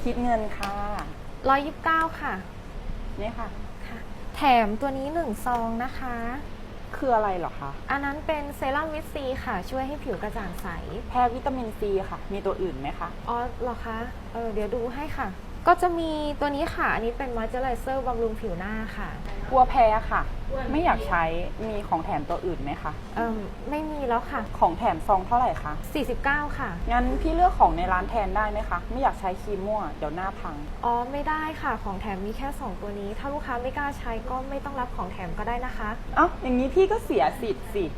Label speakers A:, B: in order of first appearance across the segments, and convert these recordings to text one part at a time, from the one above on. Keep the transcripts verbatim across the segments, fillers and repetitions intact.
A: คิดเงินค่ะ
B: ร้อยยี่สิบเก้าค่ะ
A: นี่ค่ะ
B: ค่ะ แถมตัวนี้หนึ่งซองนะคะ
A: คืออะไรเหรอคะ
B: อันนั้นเป็นเซรั่มวิตซีค่ะช่วยให้ผิวกระจ่างใส
A: แพ้วิตามินซีค่ะมีตัวอื่นไหมคะ
B: อ๋อเหรอคะเออเดี๋ยวดูให้ค่ะก็จะมีตัวนี้ค่ะอันนี้เป็นมอยเจอไรเซอร์บำรุงผิวหน้าค่ะ
A: กลัวแพ้ค่ะไม่อยากใช้มีของแถมตัวอื่นไหมคะ
B: เออไม่มีแล้วค่ะ
A: ของแถมซองเท่าไหร่คะ
B: สี่สิบเก้าค่ะ
A: งั้นพี่เลือกของในร้านแทนได้ไหมคะไม่อยากใช้ครีมมั่วเดี๋ยวหน้าพัง
B: อ๋อไม่ได้ค่ะของแถมมีแค่สองตัวนี้ถ้าลูกค้าไม่กล้าใช้ก็ไม่ต้องรับของแถมก็ได้นะคะ
A: เอ้าอย่างนี้พี่ก็เสียสิทธิ์สิ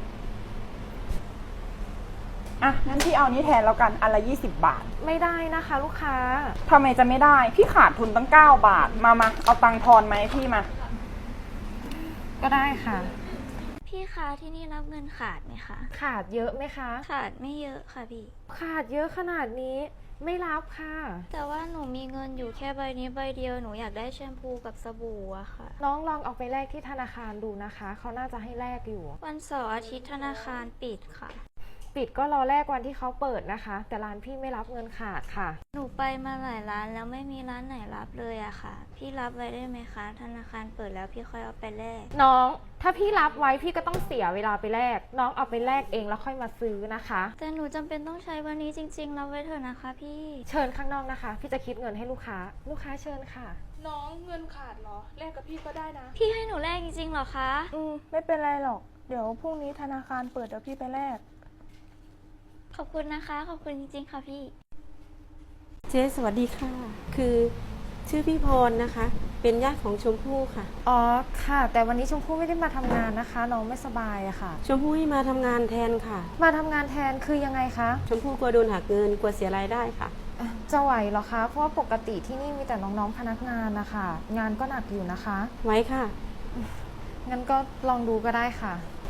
A: อ่ะงั้นพี่เอานี้แทนแล้วกันอันละยี่สิบบาท
B: ไม่ได้นะคะลูกค้า
A: ทำไมจะไม่ได้พี่ขาดทุนตั้งเก้าบาทมามาเอาตังค์ทอนไหมพี่มา
B: ก็ได้ค่ะ
C: พี่คะที่นี่รับเงินขาดไหมคะ
B: ขาดเยอะไหมคะ
C: ขาดไม่เยอะค่ะพี่
B: ขาดเยอะขนาดนี้ไม่รับค่ะ
C: แต่ว่าหนูมีเงินอยู่แค่ใบนี้ใบเดียวหนูอยากได้แชมพูกับสบู่อะค่ะ
B: น้องลองเอาไปแลกที่ธนาคารดูนะคะเขาน่าจะให้แลกอยู่
C: วันเสาร์อาทิตย์ธนาคารปิดค่ะ
B: ปิดก็รอแลกวันที่เขาเปิดนะคะแต่ร้านพี่ไม่รับเงินขาดค่ะ
C: หนูไปมาหลายร้านแล้วไม่มีร้านไหนรับเลยอะค่ะพี่รับไว้ได้ไหมคะธนาคารเปิดแล้วพี่ค่อยเอาไปแลก
B: น้องถ้าพี่รับไว้พี่ก็ต้องเสียเวลาไปแลกน้องเอาไปแลกเองแล้วค่อยมาซื้อนะคะ
C: แต่หนูจำเป็นต้องใช้วันนี้จริงๆรับไว้เถอะนะคะพี่
B: เชิญข้างนอกนะคะพี่จะคิดเงินให้ลูกค้าลูกค้าเชิญค่ะ
D: น้องเงินขาดเหรอแลกกับพี่ก็ได้นะ
C: พี่ให้หนูแลกจริงๆเหรอคะ
D: อืมไม่เป็นไรหรอกเดี๋ยวพรุ่งนี้ธนาคารเปิดเดี๋ยวพี่ไปแลก
C: ขอบคุณนะคะขอบคุณจริงๆค่ะพี่
E: เจ๊สวัสดีค่ะคือชื่อพี่พรนะคะเป็นญาติของชมพู่ค่ะ
B: อ๋อค่ะแต่วันนี้ชมพู่ไม่ได้มาทำงานนะคะน้องไม่สบายอะค่ะ
E: ชมพู่ให้มาทำงานแทนค่ะ
B: มาทำงานแทนคือยังไงคะ
E: ชมพู่กลัวโดนหักเงินกลัวเสียรายได้ค่ะ
B: จะไหวเหรอคะเพราะว่าปกติที่นี่มีแต่น้องๆพนักงานนะคะงานก็หนักอยู่นะคะ
E: ไหวค่ะ
B: งั้นก็ลองดูก็ได้ค่ะ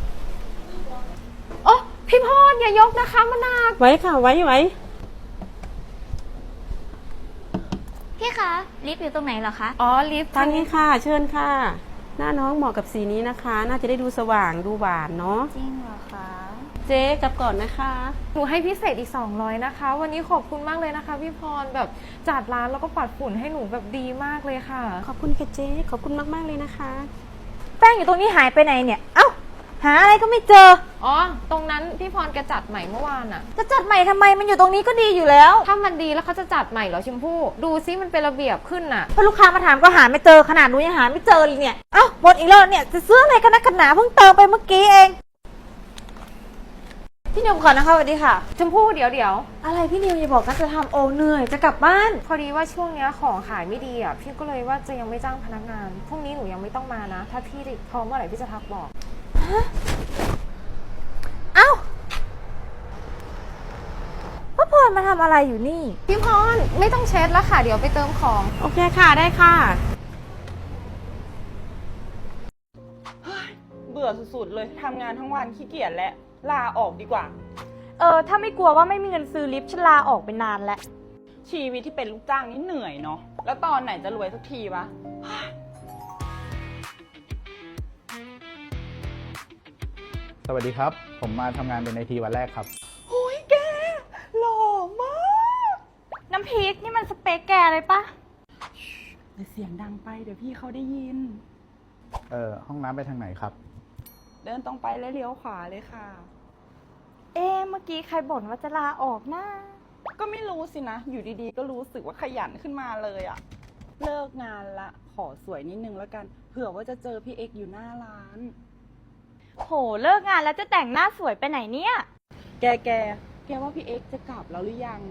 B: โอ้พี่พรอย่ายกนะคะมันหนัก
E: ไหวค่ะไหวไหว
C: พี่คะลิฟต์อยู่ตรงไหนเหรอคะ
B: อ๋อลิฟต์
E: ทางนี้ค่ะเชิญค่ะหน้าน้องเหมาะกับสีนี้นะคะน่าจะได้ดูสว่างดูหวานเนาะ
C: จริงเหรอคะ
E: เจ๊กลับก่อนนะคะ
B: หนูให้พิเศษอีกสองร้อยนะคะวันนี้ขอบคุณมากเลยนะคะพี่พรแบบจัดร้านแล้วก็ปัดฝุ่นให้หนูแบบดีมากเลยค่ะ
E: ขอบคุณค่ะเจ๊ขอบคุณมากๆเลยนะคะ
F: แป้งอยู่ตรงนี้หายไปไหนเนี่ยเอ้าหาอะไรก็ไม่เจอ
B: อ๋อตรงนั้นพี่พรแกจัดใหม่เมื่อวานอะ
F: จะจัดใหม่ทำไมมันอยู่ตรงนี้ก็ดีอยู่แล้ว
B: ถ้ามันดีแล้วเขาจะจัดใหม่เหรอชมพู่ดูซิมันเป็นระเบียบขึ้นน่ะ
F: พอลูกค้ามาถามก็หาไม่เจอขนาดหนูยังหาไม่เจอเลยเนี่ยเอ้าหมดอีกแล้วเนี่ยจะซื้ออะไรกันนักกันหนาเพิ่งเติมไปเมื่อกี้เองพี่นิวก่อนนะคะสวัสดีค่ะ
B: ชมพู่เดี๋ยวเดี๋ยว
F: อะไรพี่นิวอย่าบอกนะจะทำโอเหนื่อยจะกลับบ้าน
B: พอดีว่าช่วงนี้ของขายไม่ดีอ่ะพี่ก็เลยว่าจะยังไม่จ้างพนักงานพรุ่งนี้หนูยังไม่ต้องมานะถ้าพี่พร้อมเมื่อไหร่พี่จะทักบอก
F: เอ้าพ่อพรมาทำอะไรอยู่นี่
B: พี่พรไม่ต้องเช็ดแล้วค่ะเดี๋ยวไปเติมของ
E: โอเคค่ะได้ค่ะ
A: เบื่อสุดๆเลยทำงานทั้งวันขี้เกียจและลาออกดีกว่า
F: เออถ้าไม่กลัวว่าไม่มีเงินซื้อลิฟต์ฉันลาออกไปนานแล้ว
A: ชีวิตที่เป็นลูกจ้างนี่เหนื่อยเนาะแล้วตอนไหนจะรวยสักทีวะ
G: สวัสดีครับผมมาทำงานเป็นไอทีวันแรกครับ
A: โอ้ยแกหล่อมาก
F: น้ำพริกนี่มันสเปคแกเลยปะ
A: แต่เสียงดังไปเดี๋ยวพี่เขาได้ยิน
G: เออห้องน้ำไปทางไหนครับ
A: เดินตรงไปแล้วเลี้ยวขวาเลยค่ะ
F: เอ๊เมื่อกี้ใครบ่นว่าจะลาออกนะ
A: ก็ไม่รู้สินะอยู่ดีๆก็รู้สึกว่าขยันขึ้นมาเลยอะเลิกงานละขอสวยนิดนึงแล้วกันเผื่อว่าจะเจอพี่เอ็กอยู่หน้าร้าน
F: โหเลิกงานแล้วจะแต่งหน้าสวยไปไหนเนี่ย
A: แกแกแกว่าพี่เอ็กจะกลับแล้วหรือยัง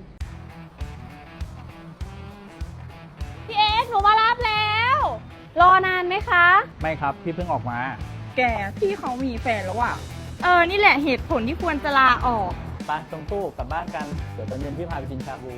F: พี่เอ็กหนูมารับแล้วรอนานไหมคะ
G: ไม่ครับพี่เพิ่งออกมา
A: แกพี่เขามีแฟนแล้วอะ
F: เออนี่แหละเหตุผลที่ควรจะลาออก
G: ไปชมพู่กลับบ้านกันเดี๋ยวตอนเย็นพี่พาไปกินชาบู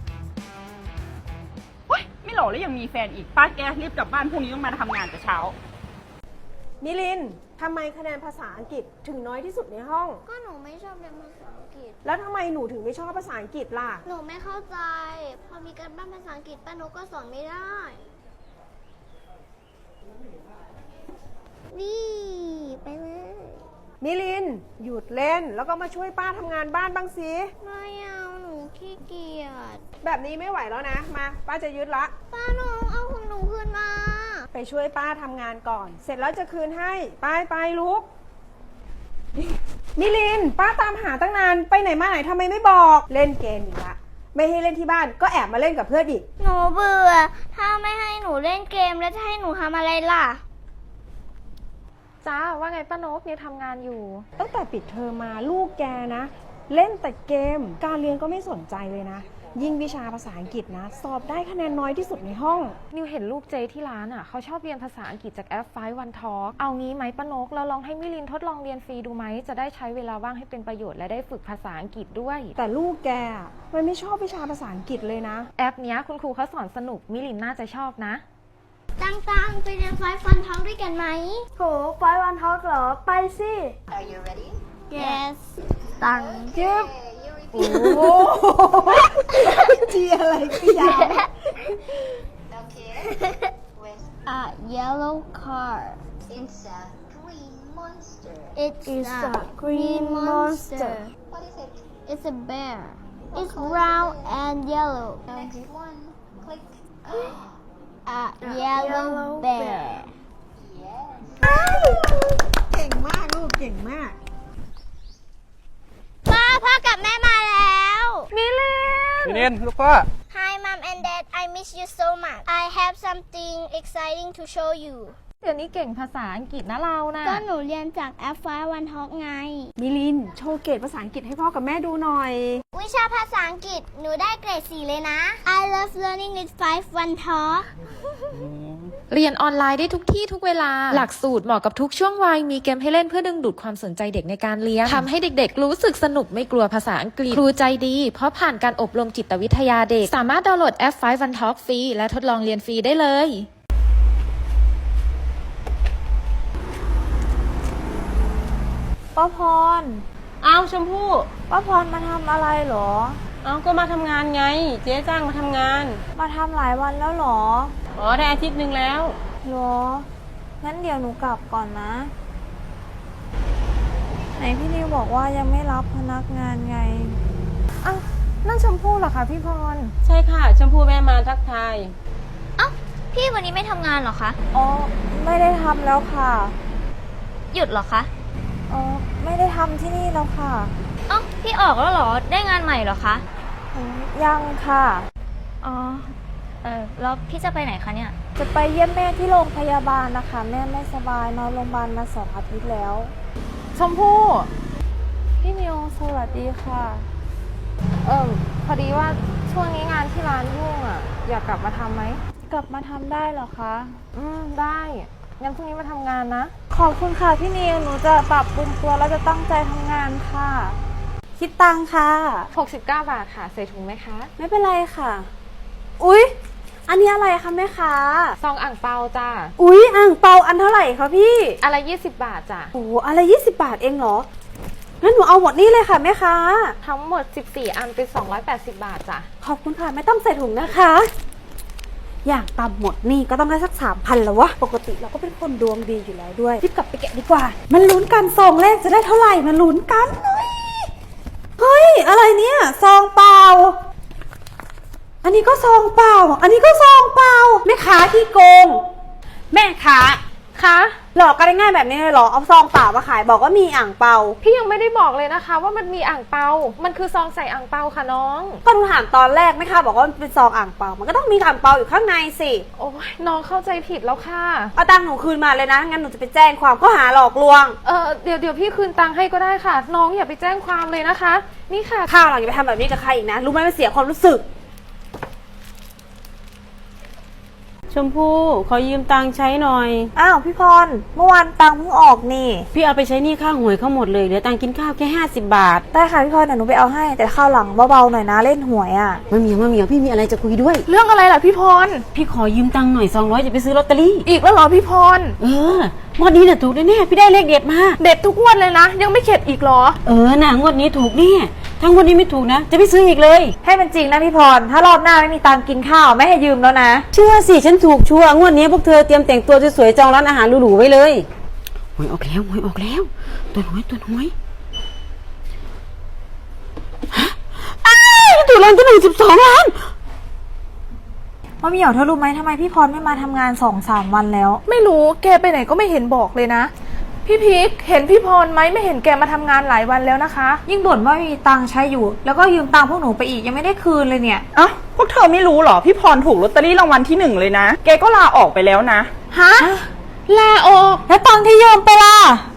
A: เฮ้ยไม่หล่อแล้วยังมีแฟนอีกป้าแกรีบกลับบ้านพรุ่งนี้ต้องมาทำงานแต่เช้า
E: มิลินทำไมคะแนนภาษาอังกฤษถึงน้อยที่สุดในห้อง
C: ก็หนูไม่ชอบเรียนภาษาอังกฤษ
E: แล้วทำไมหนูถึงไม่ชอบภาษาอังกฤษล่ะ
C: หนูไม่เข้าใจพอมีการบ้านภาษาอังกฤษป้านุก็สอนไม่ได้นี่ไปเลย
E: มิลินหยุดเล่นแล้วก็มาช่วยป้าทำงานบ้านบ้างสิ
C: ไม่เอาหนูขี้เกียจ
H: แบบนี้ไม่ไหวแล้วนะ มาป้าจะยึดละ
C: ป้าหนูเอาของหนูคืนมา
H: ไปช่วยป้าทำงานก่อน เสร็จแล้วจะคืนให้ ไปไปลุกมิลิน ป้าตามหาตั้งนาน ไปไหนมาไหนทำไมไม่บอก เล่นเกมอีกละ ไม่ให้เล่นที่บ้านก็แอบมาเล่นกับเพื่อนอีก
C: หนูเบื่อ ถ้าไม่ให้หนูเล่นเกมแล้วจะให้หนูทำอะไรล่ะ
B: จ้าว่าไงป้านกเนี่ยทำงานอยู่
H: ตั้งแต่ปิดเทอมมาลูกแกนะ เล่นแต่เกม การเรียนก็ไม่สนใจเลยนะ ยิ่งวิชาภาษาอังกฤษนะ สอบได้คะแนนน้อยที่สุดในห้อง
B: นิวเห็นลูกเจที่ร้านอ่ะเขาชอบเรียนภาษาอังกฤษจากแอปไฟวันทอ เอางี้ไหมป้านกเราลองให้มิลินทดลองเรียนฟรีดูไหมจะได้ใช้เวลาว่างให้เป็นประโยชน์และได้ฝึกภาษาอังกฤษด้วย
H: แต่ลูกแกอะมันไม่ชอบวิชาภาษาอังกฤษเลยนะ
B: แอปเนี้ยคุณครูเขาสอนสนุกมิลินน่าจะชอบนะ
C: ตังๆไปเรียนไฟฟันท้องด้วยกันไหม
D: โหไฟวันทอกเหรอ ไปสิ
C: yes ตัง
H: จิ๊บโอ้โหจีอะไรก็ยาว
C: a yellow car
I: It's a green monster.
C: it's
D: It's
C: a
D: a green monster.
I: What is it?
C: it's a bear it's round and yellow
I: Next one. Click.
C: a yellow bear
I: Yes.
H: เก่งมากลูกเก่งมาก
C: ป้าพ่อกับแม่มาแล้ว
A: มิลิน
G: พี่เนนลูกพ่อ
C: Hi mom and dad I miss you so much I have something exciting to show you
B: เดี๋ยวนี้เก่งภาษาอังกฤษนะเรานะ
C: ก็หนูเรียนจากแอปไฟวันท็อกไง
H: มิลิน โชว์เกรดภาษาอังกฤษให้พ่อกับแม่ดูหน่อย
C: วิชาภาษาอังกฤษหนูได้เกรดสี่เลยนะ I love learning with five one talk
J: เรียนออนไลน์ได้ทุกที่ทุกเวลา หลักสูตรเหมาะกับทุกช่วงวัย มีเกมให้เล่นเพื่อดึงดูดความสนใจเด็กในการเรียน ทำให้เด็กๆรู้สึกสนุกไม่กลัวภาษาอังกฤษ ครูใจดี เพราะผ่านการอบรมจิตวิทยาเด็ก สามารถดาวน์โหลดแอปไฟว์ วัน ทอล์ก ฟรี และทดลองเรียนฟรีได้เลย
D: ป้าพร
A: อ้าวชมพู่
D: ป้าพรมาทำอะไรเหรอ
A: อ้าวก็มาทำงานไง เจ๊จ้างมาทำงาน
D: มาทำหลายวันแล้วเหรอ
A: อ๋อได้อาทิตย์หนึ่งแล้ว
D: เหรอ งั้นเดี๋ยวหนูกลับก่อนนะ ไหนพี่นิวบอกว่ายังไม่รับพนักงานไง
B: อ้าวนั่นชมพู่เหรอคะพี่พร
A: ใช่ค่ะชมพู่แม่มาทักทาย
C: เอ้าพี่วันนี้ไม่ทำงานเหรอคะ
D: อ๋อ ไม่ได้ทำแล้วค่ะ
C: หยุดเหรอคะ
D: อ๋อ ไม่ได้ทำที่นี่แล้วค่ะ
C: เอ้าพี่ออกแล้วเหรอ ได้งานใหม่เหรอคะ
D: อืมยังค่ะ
C: อ๋อ เออแล้วพี่จะไปไหนคะเนี่ย
D: จะไปเยี่ยมแม่ที่โรงพยาบาลนะคะ แม่ไม่สบายนอนโรงพยาบาลมาสองอาทิตย์แล้ว
B: ชมพู่
D: พี่นิวสวัสดีค่ะ
B: เออพอดีว่าช่วงนี้งานที่ร้านยุ่งอ่ะ อยากกลับมาทำไหม
D: กลับมาทำได้เหรอคะ
B: อืมได้งั้นพรุ่งนี้มาทำงานนะ
D: ขอบคุณค่ะพี่นิว หนูจะปรับปรุงตัวแล้วจะตั้งใจทำงานค่ะ คิดตังค่ะ
B: หกสิบเก้า บาทค่ะ ใส่ถุงไหมคะ
D: ไม่เป็นไรค่ะ อุ๊ย อันนี้อะไรคะแม่ค้า
B: ซองอ่างเปาจ้า
D: อุ๊ย อ่างเปาอันเท่าไหร่คะพี่
B: อะไรยี่สิบบาทจ้ะ
D: โอ้อะไรยี่สิบบาทเองเหรอ งั้นหนูเอาหมดนี่เลยค่ะแม่ค้า
B: ทั้งหมดสิบสี่อันเป็นสองร้อยแปดสิบบาทจ้ะ
D: ขอบคุณค่ะไม่ต้องใส่ถุงนะคะ อย่างต่ำหมดนี่ก็ต้องได้สักสามพันแล้ววะ ปกติเราก็เป็นคนดวงดีอยู่แล้วด้วยรีบกลับไปแกะดีกว่า มันลุ้นกันซองแรกจะได้เท่าไหร่มันลุ้นกันเฮ้ยเฮ้ยอะไรเนี่ยซองเปล่า อันนี้ก็ซองเปล่า อันนี้ก็ซองเปล่าแม่ค้าที่โกง แม่ค้า
B: คะ
D: หลอกกันได้ง่ายแบบนี้เลยเหรอ เอาซองเปล่ามาขายบอกว่ามีอ่างเปา
B: พี่ยังไม่ได้บอกเลยนะคะ ว่ามันมีอ่างเปา มันคือซองใส่อ่างเปาค่ะน้อง
D: ก็หนูถามตอนแรกแม่ค้าบอกว่ามันเป็นซองอ่างเปา มันก็ต้องมีอ่างเปาอยู่ข้างในสิ
B: โอ้ยน้องเข้าใจผิดแล้วค่ะ
D: เอาตังค์หนูคืนมาเลยนะ งั้นหนูจะไปแจ้งความข้อหาหลอกลวง
B: เออเดี๋ยวเดี๋ยวพี่คืนตังค์ให้ก็ได้ค่ะ น้องอย่าไปแจ้งความเลยนะคะ นี่ค่ะ
D: ข้าวหลังอย่าไปทำแบบนี้กับใครอีกนะ รู้ไหมมันเสียความรู้สึก
H: ชมพู่ขอยืมตังค์ใช้หน่อย
D: อ้าวพี่พร เมื่อวานตังค์เพิ่งออกนี่
H: พี่เอาไปใช้หนี้ค่าหวยเขาหมดเลยเหลือตังค์กินข้าวแค่ห้าสิบบาท
D: ได้ค่ะพี่พรเดี๋ยวหนูไปเอาให้ แต่ข้าวหลังเบาๆหน่อยนะเล่นหวยอ่ะ
H: มาเหมียวมาเหมียวพี่มีอะไรจะคุยด้วย
B: เรื่องอะไรล่ะพี่พร
H: พี่ขอยืมตังค์หน่อยสองร้อยจะไปซื้อลอตเตอรี่
B: อีกแล้วเหรอพี่พร
H: เออ งวดนี้น่ะถูกแน่ๆพี่ได้เลขเด็ดมา
B: เด็ดทุกงวดเลยนะ ยังไม่เข็ดอีกเหรอ
H: เออน่ะงวดนี้ถูกแน่ถ้างวดนี้ไม่ถูกนะ จะไม่ซื้ออีกเลย
D: ให้มันจริงนะพี่พร ถ้ารอบหน้าไม่มีตังค์กินข้าวไม่ให้ยืมแล้วนะ
H: เชื่อสิฉันถูกชัวร์งวดนี้พวกเธอเตรียมแต่งตัวสวยๆจองร้านอาหารหรูๆไว้เลยหวยออกแล้วหวยออกแล้ว ตัวน้อยตัวน้อยฮะอ้าวถูกรางวัลที่หนึ่งสิบสองล้าน
F: ว่าเหมียวเธอรู้ไหมทำไมพี่พรไม่มาทำงานสองสามวันแล้ว
B: ไม่รู้แกไปไหนก็ไม่เห็นบอกเลยนะ พี่พิกเห็นพี่พรไหมไม่เห็นแกมาทำงานหลายวันแล้วนะคะ
F: ยิ่งบ่นว่าไม่มีตังค์ใช้อยู่ แล้วก็ยืมตังค์พวกหนูไปอีกยังไม่ได้คืนเลยเนี่ย
A: เอ้าพวกเธอไม่รู้เหรอพี่พรถูกลอตเตอรี่รางวัลที่หนึ่งเลยนะแกก็ลาออกไปแล้วนะ
F: ฮะ
B: ลาออก
F: แล้วตังค์ที่ยืมไปล่ะ